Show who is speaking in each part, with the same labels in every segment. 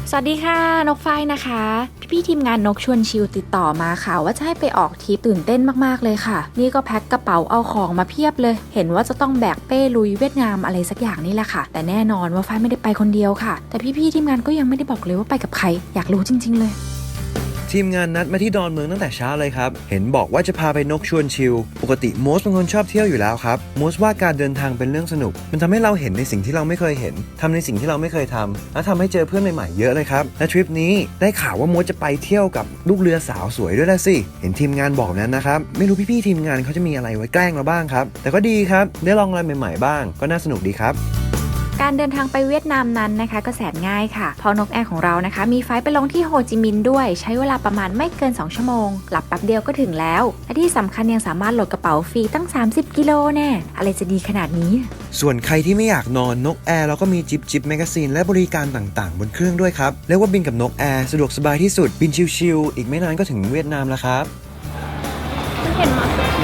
Speaker 1: สวัสดีค่ะนกฝ้ายนะคะพี่ทีมงานนกชวนชิลติดต่อมาค่ะว่าจะให้ไปออกทริปตื่นเต้นมากๆเลยค่ะนี่ก็แพ็คกระเป๋าเอาของมาเพียบเลยเห็นว่าจะต้องแบกเป้ลุยเวียดนามอะไรสักอย่างนี่แหละค่ะแต่แน่นอนว่าฝ้ายไม่ได้ไปคนเดียวค่ะแต่พี่ทีมงานก็ยังไม่ได้บอกเลยว่าไปกับใครอยากรู้จริงๆเลย
Speaker 2: ทีมงานนัดมาที่ดอนเมืองตั้งแต่เช้าเลยครับเห็นบอกว่าจะพาไปนกชวนชิลปกติโมสเป็นคนชอบเที่ยวอยู่แล้วครับโมสว่าการเดินทางเป็นเรื่องสนุกมันทำให้เราเห็นในสิ่งที่เราไม่เคยเห็นทำในสิ่งที่เราไม่เคยทำและทำให้เจอเพื่อนใหม่ๆเยอะเลยครับและทริปนี้ได้ข่าวว่าโมสจะไปเที่ยวกับลูกเรือสาวสวยด้วยละสิเห็นทีมงานบอกนั้นนะครับไม่รู้พี่ๆทีมงานเขาจะมีอะไรไว้แกล้งเราบ้างครับแต่ก็ดีครับได้ลองอะไรใหม่ๆบ้างก็น่าสนุกดีครับ
Speaker 1: การเดินทางไปเวียดนามนั้นนะคะก็แสนง่ายค่ะเพราะนกแอร์ของเรานะคะมีไฟล์ไปลงที่โฮจิมินห์ด้วยใช้เวลาประมาณไม่เกิน2ชั่วโมงหลับแป๊บเดียวก็ถึงแล้วและที่สำคัญยังสามารถโหลดกระเป๋าฟรีตั้ง30กิโลแน่อะไรจะดีขนาดนี้
Speaker 2: ส่วนใครที่ไม่อยากนอนนกแอร์เราก็มีจิบแมกกาซีนและบริการต่างๆบนเครื่องด้วยครับเรียกว่าบินกับนกแอร์สะดวกสบายที่สุดบินชิลๆอีกไม่นานก็ถึงเวียดนามแล้วครับ
Speaker 1: เห็นไหม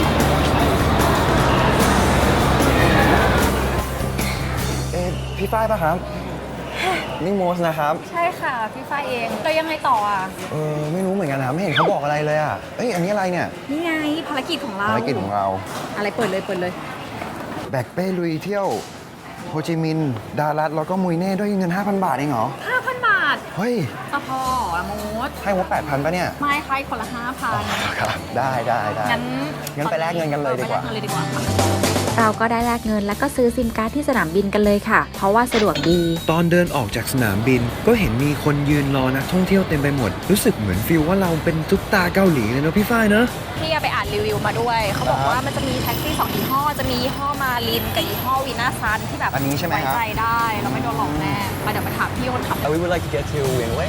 Speaker 2: พี่ฝ้ายป่ะครับนี่โมสนะครับ
Speaker 1: ใช่ค่ะพี่ฝ้ายเองเรายังไงต่ออ่ะ
Speaker 2: ไม่รู้เหมือนกันนะไม่เห็นเขาบอกอะไรเลยอ่ะอันนี้อะไรเนี่ย
Speaker 1: นี่ไงภารกิจของเราอะไรเปิดเลย
Speaker 2: แบกเป้ลุยเที่ยวโฮจิมินห์ดารัตแล้วก็มุยเน่ด้วยเงิน 5,000 บาทเองเหรอ
Speaker 1: 5,000 บาท
Speaker 2: เฮ้ย
Speaker 1: จะพอเหรอโมด
Speaker 2: ให้งบ 8,000 ป่ะเนี่ย
Speaker 1: ไม่ใครคนละ 5,000
Speaker 2: ครับได้งั้นไปแลกเงินกันเลยดีกว่า
Speaker 1: เราก็ได้แลกเงินแล้วก็ซื้อซิมการ์ดที่สนามบินกันเลยค่ะเพราะว่าสะดวกดี
Speaker 2: ตอนเดินออกจากสนามบินก็เห็นมีคนยืนรอนักท่องเที่ยวเต็มไปหมดรู้สึกเหมือนฟีลว่าเราเป็นซุปตาเกาหลีเลยเนาะพี่ฝ้ายเนาะ
Speaker 3: พี่ไปอ่านรีวิวมาด้วยเขาบอกว่ามันจะมีแท็กซี่2ยี่ห้อจะมียี่ห้อมาลินกับยี่ห้อวีน่าซันที่แบบ
Speaker 2: อันนี้ใช่ไหมครับ
Speaker 3: ไว้ใจได้เราไม่โดนหลอกแน่มาเดี๋ยวมาถามพี่คนขับ
Speaker 2: We would like to get to Wingway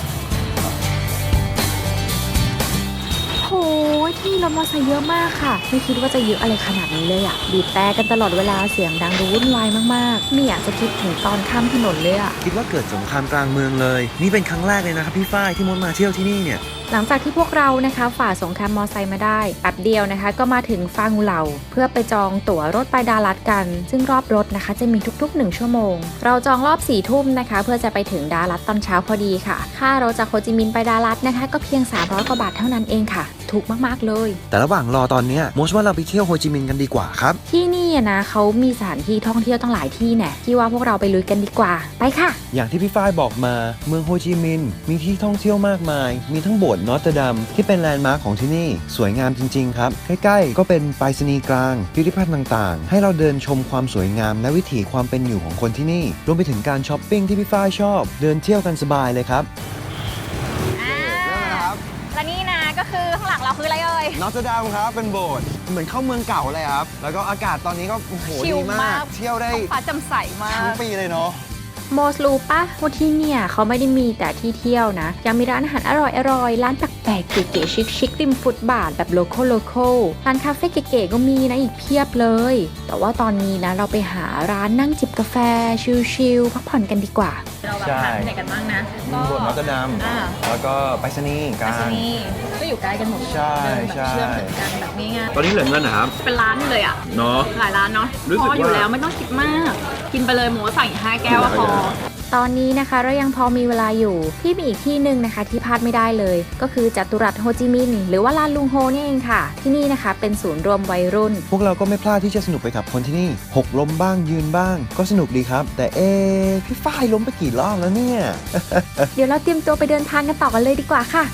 Speaker 1: โหที่รถมอเตอร์ไซค์เยอะมากค่ะไม่คิดว่าจะเยอะอะไรขนาดนี้เลยอ่ะบีบแต่กันตลอดเวลาเสียงดังดูวุ่นวายมากๆไม่อยากจะคิดถึงตอนข้ามถนนเลยอ่ะ
Speaker 2: คิดว่าเกิดสงครามกลางเมืองเลยนี่เป็นครั้งแรกเลยนะครับพี่ฝ้ายที่มดมาเที่ยวที่นี่เนี่ย
Speaker 1: หลังจากที่พวกเรานะคะฝ่าสงครามมอไซค์มาได้แป๊บเดียวนะคะก็มาถึงฟางูเหล่าเพื่อไปจองตั๋วรถไปดารัตกันซึ่งรอบรถนะคะจะมีทุกๆ1ชั่วโมงเราจองรอบ4 ทุ่มนะคะเพื่อจะไปถึงดารัตตอนเช้าพอดีค่ะค่ารถจากโฮจิมินห์ไปดารัตนะคะก็เพียง300 กว่าบาทเท่านั้นเองค่ะถูกมากๆเลย
Speaker 2: แต่ระหว่างรอตอนนี้มดว่าเราไปเที่ยวโฮจิมินห์กันดีกว่าครับ
Speaker 1: ที่นี่นะเขามีสถานที่ท่องเที่ยวตั้งหลายที่แน่ที่ว่าพวกเราไปลุยกันดีกว่าไปค่ะ
Speaker 2: อย่างที่พี่ฝ้ายบอกมาเมืองโฮจิมินห์มีที่ท่องเที่ยวมากมายมีทั้งโบสถ์นอตเตอร์ดัมที่เป็นแลนด์มาร์คของที่นี่สวยงามจริงๆครับใกล้ๆก็เป็นไปรษณีย์กลางพิพิธภัณฑ์ต่างๆให้เราเดินชมความสวยงามและวิถีความเป็นอยู่ของคนที่นี่รวมไปถึงการช้อปปิ้งที่พี่ฝ้ายชอบเดินเที่ยวกันสบายเลยครับ
Speaker 3: และนี่นะก็คือข้างหลังเราคืออะไรเอ่ย
Speaker 2: นอตเตอร์ดัมครับเป็นโบสถ์เหมือนเข้าเมืองเก่าเลยครับแล้วก็อากาศตอนนี้ก็โอ้โหดีมากเที่ยวได้
Speaker 3: ฟ้าแจ่มใสมาก
Speaker 2: ทั้งปีเลยเนาะ
Speaker 1: โมสรู้ปะว่าที่เนี่ยเขาไม่ได้มีแต่ที่เที่ยวนะยังมีร้านอาหารอร่อยร้านแปลกๆเก๋ๆชิคๆริมฟุตบาทแบบโลคอลร้านคาเฟ่เก๋ๆก็มีนะอีกเพียบเลยแต่ว่าตอนนี้นะเราไปหาร้านนั่งจิบกาแฟชิลๆพักผ่อนกันดีกว่า
Speaker 3: เราแบบทานที่ไหนกันบ้างนะ
Speaker 2: โบสถ์นอตเตอร์ดัมแล้วก็ไปรษณีย์กลาง
Speaker 3: ก็อยู่ใกล้กันหมด
Speaker 2: ใช่
Speaker 3: เชื่อมถึงกันแบบง่าย
Speaker 2: ๆตอนนี้เหลือเงินนะครับ
Speaker 3: เป็นร้านเลยอ่ะ
Speaker 2: เนาะ
Speaker 3: หลายร้านเนาะพออยู่แล้วไม่ต้องคิดมากกินไปเลยหมูสั่งอีก5 แก้วพอ
Speaker 1: ตอนนี้นะคะเรายังพอมีเวลาอยู่ที่มีอีกที่หนึ่งนะคะที่พลาดไม่ได้เลยก็คือจัตุรัสโฮจิมินห์หรือว่าลานลุงโฮนี่เองค่ะที่นี่นะคะเป็นศูนย์รวมวัยรุ่น
Speaker 2: พวกเราก็ไม่พลาดที่จะสนุกไปกับคนที่นี่หกล้มบ้างยืนบ้างก็สนุกดีครับแต่พี่ฝ้ายล้มไปกี่รอบแล้วเนี่ย
Speaker 1: เดี๋ยวเราเตรียมตัวไปเดินทางกันต่อกันเลยดีกว่าค่ะ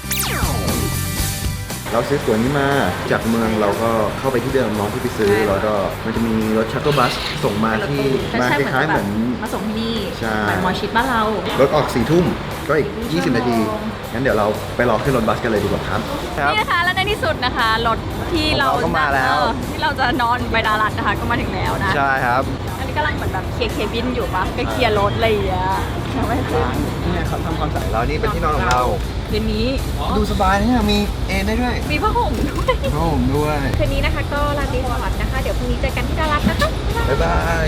Speaker 2: เราซื้อตั๋วนี้มาจากเมืองเราก็เข้าไปที่เดิมน้องที่ไปซื้อแล้วก็มันจะมีรถชัตเตอร์บัสส่งมาที่มาคล้ายๆเหมือน
Speaker 3: มาส่งที่นี่
Speaker 2: เหมือน
Speaker 3: มอชิดบ้านเรา
Speaker 2: รถออก4 ทุ่มก็อีก20 นาทีงั้นเดี๋ยวเราไปรอขึ้นรถบัสกันเลยดีกว่าครับ
Speaker 3: นี่นะคะและในที่สุดนะคะรถที่เรา
Speaker 2: มาแล้ว
Speaker 3: ที่เราจะนอนไปดารัตนะคะก็มาถึงแล้วนะ
Speaker 2: ใช่ครับ
Speaker 3: อันนี้กำลังเหมือนแบบเคลียร์บินอยู่ปะก็เคลียร์รถอะไรอย่างเงี้ยไม่ขึ้น
Speaker 2: นี่ครับทำความสะอาดแล้วนี่เป็นที่นอนของเรา
Speaker 3: คืนนี้
Speaker 2: ดูสบายนะมีได้ด้วย
Speaker 3: มีผ้าห่มด้วยคืนนี้นะคะก็ลาตรีสวัสดิ์นะคะเดี๋ยวพรุ่งนี้เจอกันที่ดารัตนะคะ
Speaker 2: บ๊ายบาย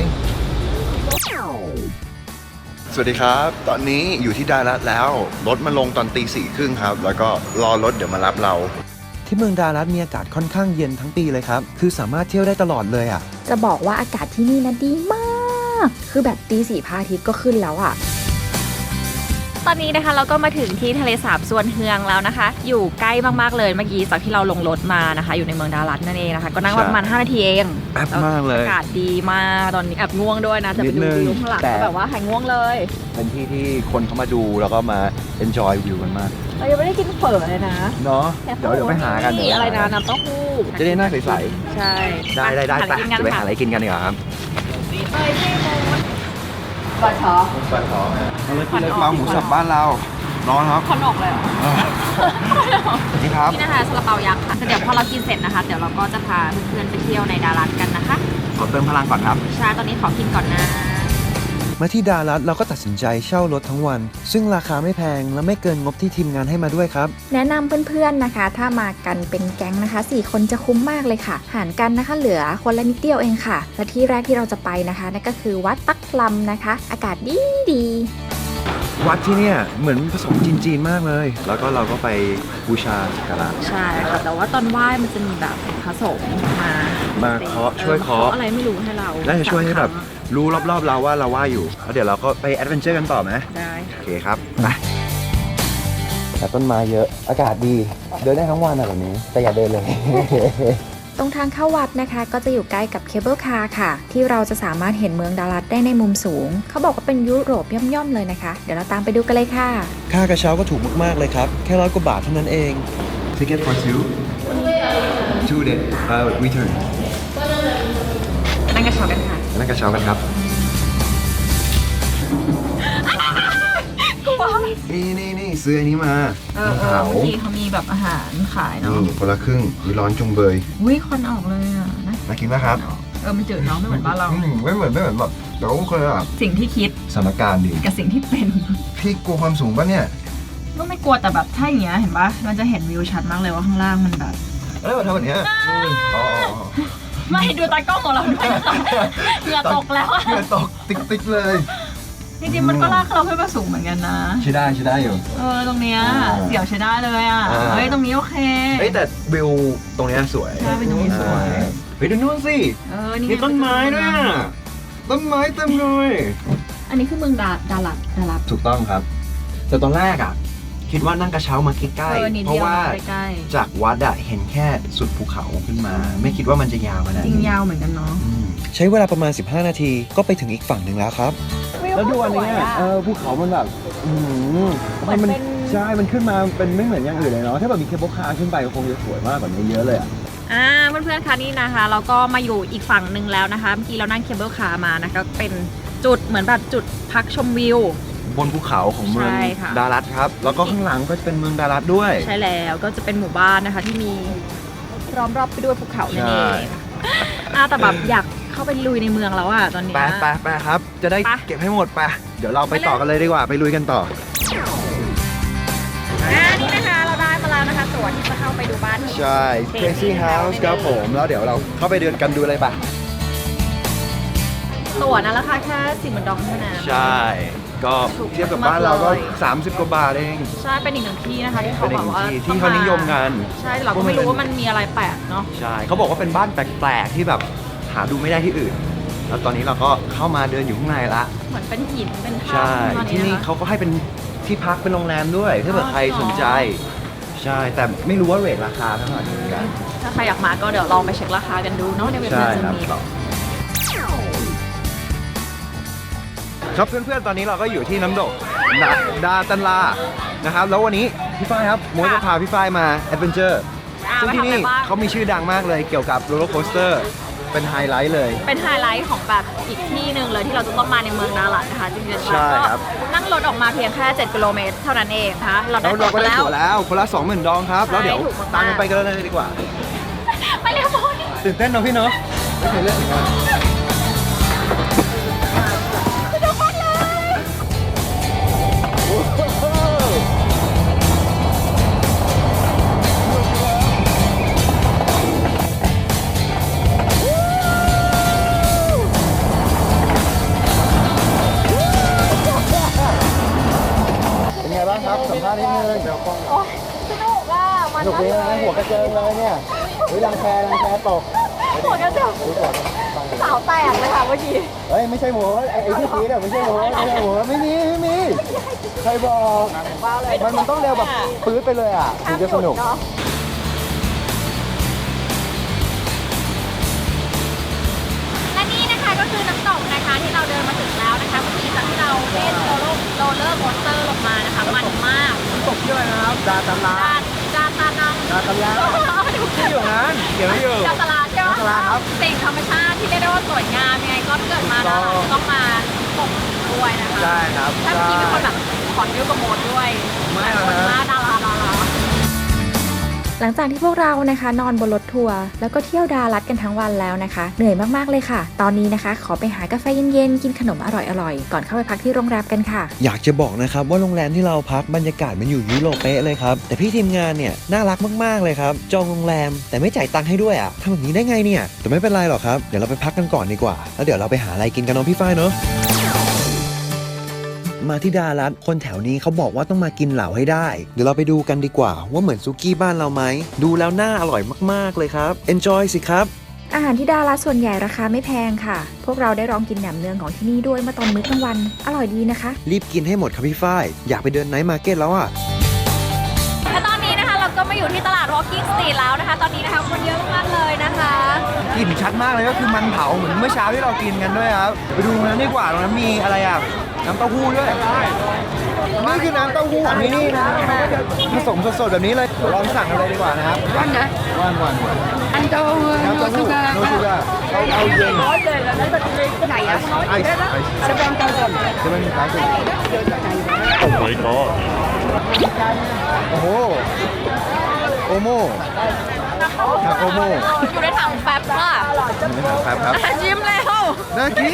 Speaker 2: สวัสดีครับตอนนี้อยู่ที่ดารัตแล้วรถมาลงตอนตี 4:30ครับแล้วก็รอรถเดี๋ยวมารับเราที่เมืองดารัตมีอากาศค่อนข้างเย็นทั้งปีเลยครับคือสามารถเที่ยวได้ตลอดเลยอ่ะ
Speaker 1: จะบอกว่าอากาศที่นี่นะดีมากคือแบบตี 4พระอาทิตย์ก็ขึ้นแล้วอ่ะตอนนี้นะคะเราก็มาถึงที่ทะเลสาบสวนเฮืองแล้วนะคะ อยู่ใกล้มากๆเลยเมื่อกี้จากที่เราลงรถมานะคะ อยู่ในเมืองดารัตนั่นเองนะคะก็นั่งประมาณ5 นาทีเอง
Speaker 2: แอบมากเลย
Speaker 1: อากาศดีมากตอนนี้แอบง่วงด้วยนะจะไปดูวิวข้างหลังก็แบบว่าหายง่วงเลย
Speaker 2: เป็นที่ที่คนเขามาดูแล้วก็มา enjoy วิวกันมาก
Speaker 1: เรายังไม่ได้กินเฝอเลยนะ
Speaker 2: เนาะเดี๋ยวไปหากัน
Speaker 1: มีอะไรนะน้ำเต้าหู้
Speaker 2: จะได้หน้าใส
Speaker 1: ใช่
Speaker 2: ๆได้ไปจะไปหาอะไรกินกันดีกว่าครับ
Speaker 1: เฮ้ยพี่โมดปลาช้อ
Speaker 2: ปลาท้องเราเลยกินเล็กมาหมูสับบ้านเราร้อนครับ
Speaker 1: คอนออกเลยเหรอ
Speaker 2: นี่ครับ
Speaker 1: นี่นะคะซาลาเปายักษ์ค่ะเดี๋ยวพอเรากินเสร็จนะคะ เดี๋ยวเราก็จะพาเพื่อนๆไปเที่ยวในดารัตกันนะคะ
Speaker 2: ขอเติมพลังก่อนครับ
Speaker 1: ใช่ตอนนี้ขอกินก่อนนะ
Speaker 2: มาที่ดารัตเราก็ตัดสินใจเช่ารถทั้งวัน ซึ่งราคาไม่แพงและไม่เกินงบที่ทีมงานให้มาด้วยครับ
Speaker 1: แนะนำเพื่อนๆนะคะ ถ้ามากันเป็นแก๊งนะคะ4คนจะคุ้มมากเลยค่ะ หารกันนะคะเหลือคนละนิดเดียวเองค่ะ และที่แรกที่เราจะไปนะคะนั่นก็คือวัดตักลำนะคะ อากาศดี
Speaker 2: วัดที่เนี่ยเหมือนผสมจีนๆมากเลย แล้วก็เราก็ไปบูชาสักการะ
Speaker 1: ใช่ค่ะแต่ว่าตอนไหว้มันจะมีแบบผสมมา
Speaker 2: เคาะช่วยเคาะ
Speaker 1: อะไรไม่รู้ให้เรา
Speaker 2: น่าจะช่วยให้แบบรู้รอบๆเราว่าเราว่าอยู่แล้วเดี๋ยวเราก็ไปแอดเวนเจอร์กันต่อไหม
Speaker 1: ได้
Speaker 2: โอเคครับไปแต่ต้นไม้เยอะอากาศดีเดินได้ทั้งวันอะแบบนี้แต่อย่าเดินเลย
Speaker 1: ตรงทางเข้าวัดนะคะก็จะอยู่ใกล้กับเคเบิลคาร์ค่ะ ที่เราจะสามารถเห็นเมืองดารัตได้ในมุมสูง เขาบอกว่าเป็นยุโรปย่อมๆเลยนะคะ เดี๋ยวเราตามไปดูกันเลยค่ะ
Speaker 2: ค่ากระเช้าก็ถูกมากๆเลยครับ แค่100 กว่าบาทเท่านั้นเอง Ticket for two day return
Speaker 1: นั่งกระเช้ากันค่ะ
Speaker 2: นั่งกระเช้ากันครับ
Speaker 1: กลัว
Speaker 2: นี่ซื้ออันนี้มา
Speaker 1: เมื่อกี้เขามีแบบอาหารขายเนาะ
Speaker 2: นี่คนละครึ่งมีร้อนจุงเบย
Speaker 1: อุ้ยควันออกเลยอ่ะนะ
Speaker 2: น่ากินไหมครับ
Speaker 1: มันจืดเนาะไม่เหมือนบ้านเรา
Speaker 2: ไม่เหมือนแบบแต่ก็โอเคอะ
Speaker 1: สิ่งที่คิด
Speaker 2: สถานการณ์ดี
Speaker 1: กับสิ่งที่เป็น
Speaker 2: พี่กลัวความสูงปะเนี่ย
Speaker 1: ก็ไม่กลัวแต่แบบถ้าอย่างเงี้ยเห็นปะมันจะเห็นวิวชัดมากเลยว่าข้างล่างมันแบบ
Speaker 2: เอ้ยมาทำแบบเนี้ยอ๋อ
Speaker 1: ไม่ดูตากล้องของเราด้วยเหงื่อตกแล้วอะ
Speaker 2: เหงื่อตกติ๊กเลย
Speaker 1: จริงๆมันก็ลากเราขึ้นมาสูงเหมือนกันนะ
Speaker 2: ใช่ได้อยู่
Speaker 1: ตรงเนี้ยเสียวใช้ได้เลยอ่ะ เฮ้ยตรงนี้โอเค
Speaker 2: เฮ้ยแต่วิวตรงเนี้ยสวย
Speaker 1: ใช่เป็นตรงนี้สวย
Speaker 2: เฮ้ยดูนู่นสิ
Speaker 1: นี่
Speaker 2: มีต้นไม้ด้วยอะต้นไม้เต็มเลย
Speaker 1: อันนี้คือเมืองดารัต
Speaker 2: ถูกต้องครับ แต่ตอนแรกอ่ะ คิดว่านั่งกระเช้ามาใกล้ๆเพราะว่าจากวัดอะเห็นแค่สุดภูเขาขึ้นมา ไม่คิดว่ามันจะยาวขนาด
Speaker 1: จริง
Speaker 2: นี้
Speaker 1: ยาวเหมือนกันเนาะ
Speaker 2: ใช้เวลาประมาณ15 นาทีก็ไปถึงอีกฝั่งหนึ่งแล้วครับ แล้วดูอันนี้ภูเขามันแบบมันใช่มันขึ้นมาเป็นไม่เหมือนอย่างอื่นเลยเนาะถ้าแบบมีเคเบิลคาร์ขึ้นไปก็คงจะสวยมากกว่านี้เยอะเลยอ่ะ
Speaker 1: เพื่อนๆคะนี่นะคะ เราก็มาอยู่อีกฝั่งหนึ่งแล้วนะคะเมื่อกี้เรานั่งเคเบิลคาร์มานะคะเป็นจุดเหมือนแบบจุดพักชมวิว
Speaker 2: บนภูเขาของเมือง
Speaker 1: ใช่ค่ะ
Speaker 2: ดารัตครับแล้วก็ข้างหลังก็จะเป็นเมืองดารัตด้วย
Speaker 1: ใช่แล้วก็จะเป็นหมู่บ้านนะคะที่มีล้อมรอบไปด้วยภูเขานั่นเองแต่แบบอยากเข้าไปลุยในเมืองแล้วอ่ะตอนนี้
Speaker 2: ไปครับ จะได้
Speaker 1: ไป
Speaker 2: เก็บให้หมดไปเดี๋ยวเราไปต่อกันเลยดีกว่าไปลุยกันต่อ
Speaker 1: นี่นะคะเราได้มาแล้วนะคะตั๋วที่จะเข้าไปดูบ้าน
Speaker 2: ใช่ Crazy House ครับผมแล้วเดี๋ยวเราเข้าไปเดินกันดูเลยปะ
Speaker 1: ตั๋วนะราคาแค่40,000 ดองเท่านั้น
Speaker 2: ใช่ ก็เทียบกับบ้านเราก็30 กว่าบาทเอง
Speaker 1: ใช่เป็นอีกหนึ่งที่นะคะที่เขา
Speaker 2: เป็น
Speaker 1: บ
Speaker 2: อี
Speaker 1: อก กว่า
Speaker 2: ที่เขานิยมกัน
Speaker 1: ใช่เราก็ไม่รู้ว่ามันมีอะไรแปลกเนาะ
Speaker 2: ใช่เขาบอกว่าเป็นบ้านแปลกๆที่แบบหาดูไม่ได้ที่อื่น แล้วตอนนี้เราก็เข้ามาเดินอยู่ข้างในละ
Speaker 1: เหมือนเป็นหินเป็นถ้ำ
Speaker 2: ใช่
Speaker 1: ประมาณ
Speaker 2: ที่นี่
Speaker 1: ะคะ
Speaker 2: เขาก็ให้เป็นที่พักเป็นโรงแรมด้วยถ้าเกิดใครสนใจ ใช่แต่ไม่รู้ว่าเรทราคาเท่าไหร่เหมือนกัน
Speaker 1: ถ้าใครอยากมาก็เดี๋ยวลองไปเช็คราคากันดูเนาะในเว็บไซ
Speaker 2: ใช่
Speaker 1: ต์จะ
Speaker 2: ครับ
Speaker 1: มี
Speaker 2: ครับเพื่อนๆ ตอนนี้เราก็อยู่ที่น้ำตกดาตันลานะครับแล้ววันนี้พี่ฝ้ายครับมวยจะพาพี่ฝ้ายมาแอดเวนเจอร์ซึ่งที่นี่เขามีชื่อดังมากเลยเกี่ยวกับโรลเลอร์โคสเตอร์เป็นไฮไลท์เลย
Speaker 1: เป็นไฮไลท์ของแบบอีกที่หนึ่งเลยที่เราจะต้องมาในเมืองดารัตนะคะจริงๆ
Speaker 2: ใช่
Speaker 1: แล้วก็
Speaker 2: ครับ
Speaker 1: นั่งรถออกมาเพียงแค่7 กิโลเมตรเท่านั้นเองนะคะเราได้
Speaker 2: แล้ว
Speaker 1: ตั๋
Speaker 2: เรา
Speaker 1: ว
Speaker 2: ก็
Speaker 1: ไป
Speaker 2: ได้
Speaker 1: แล้ว
Speaker 2: ตั๋วแล้วคนละ 20,000 ดองครับ แล้วเดี๋ยว
Speaker 1: ถูกมากๆ
Speaker 2: ตามกันไปกันเลยดีกว่า
Speaker 1: ไปเร็วโมนี่
Speaker 2: ตื่นเต้นเนาะพี่เนาะไม่เคยเล่นเหมือนกันเป็นไงบ้างครับสัมภาษณ์นิดนึงเดี๋ยวกล้อง
Speaker 1: สนุกอ่ะมัน
Speaker 2: สนุกดีนะหัวกระเจิงเลยเนี่ยรังแคตก
Speaker 1: หัวกระเจิงสาวแตกเลยค่ะเมื่อกี้
Speaker 2: เฮ้ยไม่ใช่หัวไอ้ที่สีเนี่ยไม่ใช่หัวไม่มียใครบอกมันต้องเร็วแบบปื๊ดไปเลยอ่ะถึงจะสนุก
Speaker 3: และนี่นะคะก็คือน้ำตกนะคะที่เราเดินมาถึงแล้วนะคะเมื่อกี้จากที่เราเล่นโรลเลอร์โคสเตอร์ลงมานะคะมันมาก
Speaker 2: ตกชื่ออะไรนะครับดาตาลา
Speaker 3: จาตานัง
Speaker 2: ดาตาลาที่อยู่นั้นเขียนไว้อยู่
Speaker 3: จาตลาดใช่ไหม
Speaker 2: จาตลาดครับ
Speaker 3: สิ่งธรรมชาติที่เรียกได้ว่าสวยงามยังไงก็เกิดมาแล้วเราต้องมาตกด้วยนะคะ
Speaker 2: ใช่ครับ
Speaker 3: ถ้าเมื่อกี้มีคนแบบขอยิ้วกับโมดด้วย
Speaker 2: ไม่หรอก
Speaker 3: คน
Speaker 2: นะ
Speaker 3: มาดารา
Speaker 1: หลังจากที่พวกเรานะคะนอนบนรถทัวร์แล้วก็เที่ยวดารัดกันทั้งวันแล้วนะคะเหนื่อยมากๆเลยค่ะ ตอนนี้นะคะขอไปหากาแฟเย็นๆกินขนมอร่อยๆก่อนเข้าไปพักที่โรงแรมกันค่ะ
Speaker 2: อยากจะบอกนะครับว่าโรงแรมที่เราพักบรรยากาศมันอยู่ยุโรปเป๊ะเลยครับแต่พี่ทีมงานเนี่ยน่ารักมากๆเลยครับจองโรงแรมแต่ไม่จ่ายตังค์ให้ด้วยอ่ะทำแบบนี้ได้ไงเนี่ยแต่ไม่เป็นไรหรอกครับเดี๋ยวเราไปพักกันก่อนดีกว่าแล้วเดี๋ยวเราไปหาอะไรกินกันน้องพี่ฝ้ายเนาะมาที่ดารัดคนแถวนี้เขาบอกว่าต้องมากินเหล่าให้ได้เดี๋ยวเราไปดูกันดีกว่าว่าเหมือนซุกี้บ้านเราไหมดูแล้วน่าอร่อยมากๆเลยครับ Enjoy สิครับ
Speaker 1: อาหารที่ดารัดส่วนใหญ่ราคาไม่แพงค่ะ พวกเราได้ลองกินแหนมเนืองของที่นี่ด้วยเมื่อตอนมื้อกลางวันอร่อยดีนะคะ
Speaker 2: รีบกินให้หมดครับพี่ฝ้ายอยากไปเดินไนท์มาร์เก็ตแล้วอ่ะ
Speaker 3: และตอนนี้นะคะเราก็มาอยู่ที่ตลาด Walking Street แล้วนะคะ ตอนนี้นะคะคนเยอะมากๆเลยนะคะ
Speaker 2: กลิ่นชัดมากเลยก็คือมันเผาเหมือนเมื่อเช้าที่เรากินกันด้วยครับไปดูนั้นดีกว่าตรงนั้นมีอะไรอ่ะน้ำเต้าหู้ด้วยนี่คือน้ำเต้าหู้ของที่นี่นะผสมสดๆแบบนี้เลยลองสั่งกันเลยดีกว่านะครับวันนะวันอันเต้าหู้น้ำเต้าหู้โนชูกาเอาเย็นไหนอะไอซ์เซเว่นเก้าสิบโอ้
Speaker 4: my god
Speaker 2: โอ้โหโอโม่โอโม่
Speaker 3: อยู่ในถังแฟบค่ะ
Speaker 2: ครับ
Speaker 3: ยิ้มแล้ว
Speaker 2: น่ากิน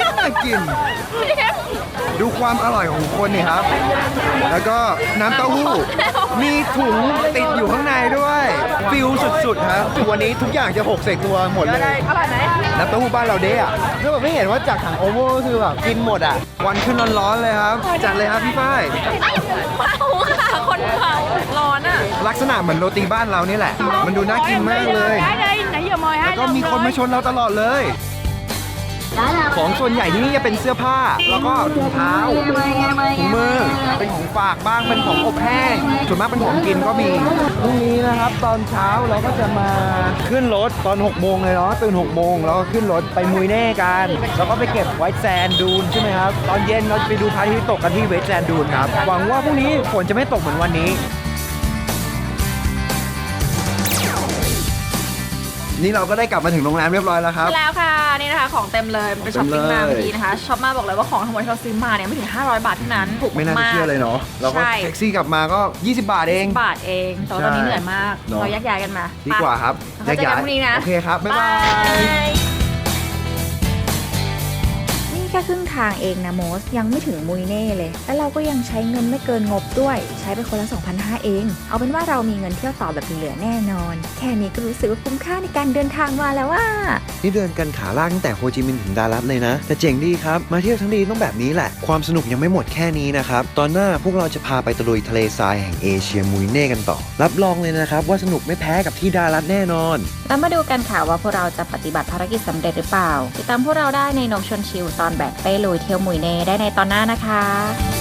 Speaker 2: ดูความอร่อยของคนนี่ครับ แล้วก็น้ำเต้าหู้มีถุงติดอยู่ข้างในด้วยฟิลสุดๆครับวันนี้ทุกอย่างจะหกใส่ตัวหมดเลย
Speaker 3: อร่อยไหม
Speaker 2: น้ำเต้าหู้บ้านเราเด้อะคือแบบไม่เห็นว่าจากถังโอโม่คือแบบกินหมดอ่ะวันขึ้นร้อนๆเลยครับจัดเลยครับพี่ฝ้าย
Speaker 3: เมาค่ะคนเมาร้อนอ่ะ
Speaker 2: ลักษณะเหมือนโรตีบ้านเรานี่แหละ มันดูน่ากินมากเลย แล้วก็มีคนมาชนเราตลอดเลย ของส่วนใหญ่ที่นี่จะเป็นเสื้อผ้า แล้วก็ถุงเท้าถุงมือเป็นของฝากบ้างเป็นของอบแห้งส่วนมากเป็นของกินก็มีพรุ่งนี้นะครับตอนเช้าเราก็จะมาขึ้นรถตอน6 โมงเลยเนาะตื่น6 โมงแล้วก็ขึ้นรถไปมุยเน่กันแล้วก็ไปเก็บไวท์แซนดูนใช่ไหมครับตอนเย็นเราจะไปดูพระอาทิตย์ตกกันที่ไวท์แซนดูนครับหวังว่าพรุ่งนี้ฝนจะไม่ตกเหมือนวันนี้ นี่เราก็ได้กลับมาถึงโรงแรมเรียบร้อยแล้วครับ
Speaker 3: แล้วค่ะนี่นะคะของเต็มเลยไปช้อปปิ้งมา
Speaker 2: เต็มเลย
Speaker 3: เมื่อกี้นะคะช็อปมาบอกเลยว่าของทั้งหมดที่เราซื้อมาเนี่ยไม่ถึง500 บาทเท่านั้นถูก
Speaker 2: ไม่น่าจะ
Speaker 3: มาก
Speaker 2: เชื่อเลยเนาะเราก็
Speaker 3: ใช่
Speaker 2: แท็กซี่กลับมาก็20 บาทเอง
Speaker 3: บาทเองแต่ว่าตอนนี้เหนื่อยมาก
Speaker 2: เนอะ
Speaker 3: เราแยกย้ายกันมา
Speaker 2: ดีกว่าครับ
Speaker 3: แล้วเจอกันพรุ่งนี้นะ
Speaker 2: โอเคครับ บ๊ายบาย
Speaker 1: นี่แค่ครึ่งทางเองนะโมสยังไม่ถึงมุยเน่เลย แล้วเราก็ยังใช้เงินไม่เกินงบด้วย ใช้ไปคนละ 2,500 เอง เอาเป็นว่าเรามีเงินเที่ยวต่อแบบเหลือแน่นอน แค่นี้ก็รู้สึกว่าคุ้มค่าในการเดินทางมาแล้วว่า
Speaker 2: นี่เดินกันขาลากตั้งแต่โฮจิมินห์ถึงดารัตเลยนะ แต่เจ๋งดีครับ มาเที่ยวทั้งทีต้องแบบนี้แหละ ความสนุกยังไม่หมดแค่นี้นะครับ ตอนหน้าพวกเราจะพาไปตะลุยทะเลทรายแห่งเอเชียมุยเน่กันต่อ รับรองเลยนะครับว่าสนุกไม่แพ้กับที่ดารัตแน่นอน
Speaker 1: แล้วมาดูกันค่ะว่าพวกเราจะปฏิบัติภารกิจสำเร็จหรือเปล่า ติดตามพวกเราได้ในนกชวนชิลตอนแบกเป้ลุยเที่ยวมุยเน่ได้ในตอนหน้านะคะ